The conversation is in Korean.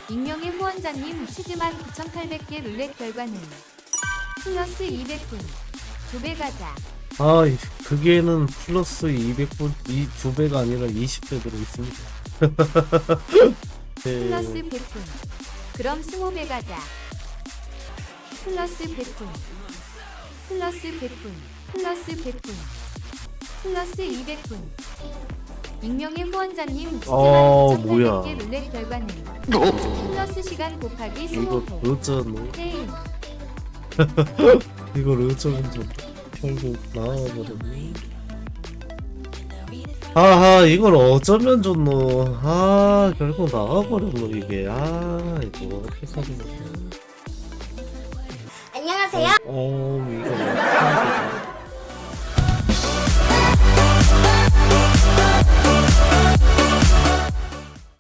익명의 후원자님 치즈만 9,800개 룰렛 결과는 플러스 200분 2배 가자. 아, 그게는 플러스 200분, 2배가 아니라 20배 들어있습니다. 플러스 네. 100분 그럼 20배 가자. 플러스 100분 플러스 100분 플러스 100분 플러스 200분 익명의 후원자님 치즈만 뭐야. 9,800개 룰렛 결과는 플러스 시간 곱하기 이거 20회 어쩌노? 게임 이걸 어쩌면 좀 결국 나와버렸네. 아하, 이걸 어쩌면 좋노. 아, 결국 나와버렸노, 이게. 아, 이거 어떻게 하는 거야. 안녕하세요. 이거 어떡하지?